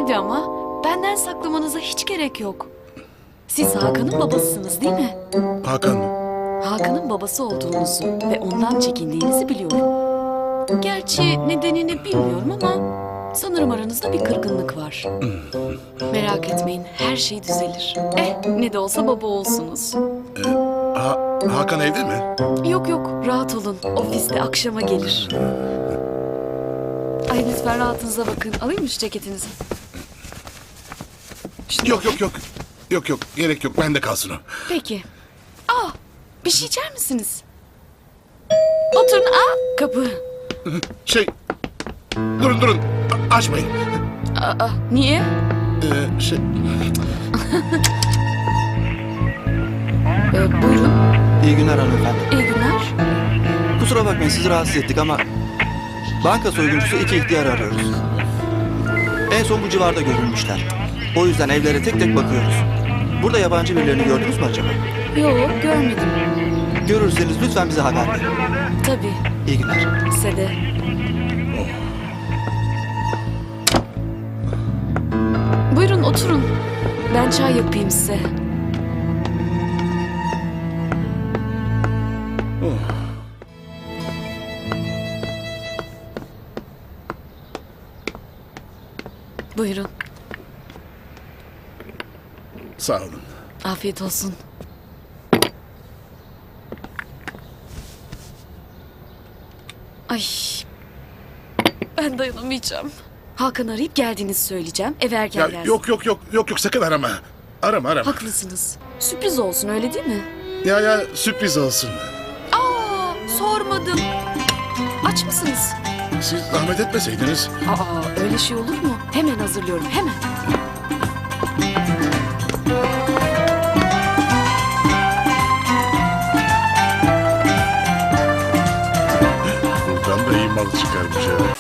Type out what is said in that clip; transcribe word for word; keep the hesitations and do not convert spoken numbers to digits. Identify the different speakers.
Speaker 1: Hadi ama benden saklamanıza hiç gerek yok. Siz Hakan'ın babasısınız değil mi?
Speaker 2: Hakan mı?
Speaker 1: Hakan'ın babası olduğunuzu ve ondan çekindiğinizi biliyorum. Gerçi nedenini bilmiyorum ama sanırım aranızda bir kırgınlık var. Merak etmeyin, her şey düzelir. Eh, ne de olsa baba olsunuz.
Speaker 2: Ha, Hakan evde mi?
Speaker 1: Yok yok, rahat olun. Ofiste akşama gelir. Ay lütfen rahatınıza bakın. Alayım mı şu ceketinizi? Şunu
Speaker 2: Yok
Speaker 1: bakayım.
Speaker 2: yok yok. Yok yok gerek yok bende kalsın o.
Speaker 1: Peki. Aa, bir şey içer misiniz? Oturun. Aa, kapı.
Speaker 2: Şey durun durun A- açmayın.
Speaker 1: Aa, niye?
Speaker 2: Ee, şey
Speaker 1: Ee, buyurun.
Speaker 3: İyi günler hanımefendi.
Speaker 1: İyi günler.
Speaker 3: Kusura bakmayın sizi rahatsız ettik ama banka soyguncusu iki ihtiyar arıyoruz. En son bu civarda görülmüşler. O yüzden evlere tek tek bakıyoruz. Burada yabancı birilerini gördünüz mü acaba?
Speaker 1: Yok, görmedim.
Speaker 3: Görürseniz lütfen bize haber verin.
Speaker 1: Tabii,
Speaker 3: İyi günler.
Speaker 1: size de. Buyurun oturun. Ben çay yapayım size. Buyurun.
Speaker 2: sağ olun.
Speaker 1: Afiyet olsun. Ay. Ben dayanamayacağım. Hakan arayıp geldiğinizi söyleyeceğim. Eve erken
Speaker 2: Ya,
Speaker 1: gelsin.
Speaker 2: yok yok yok yok yok sakın arama. Arama arama.
Speaker 1: Haklısınız. Sürpriz olsun öyle değil mi?
Speaker 2: Ya ya sürpriz olsun.
Speaker 1: Aa, sormadım. Aç mısınız?
Speaker 2: Siz zahmet etmeseydiniz.
Speaker 1: Aa, öyle şey olur mu? Hemen hazırlıyorum, hemen.
Speaker 2: Buradan da iyi mal çıkarmış ha.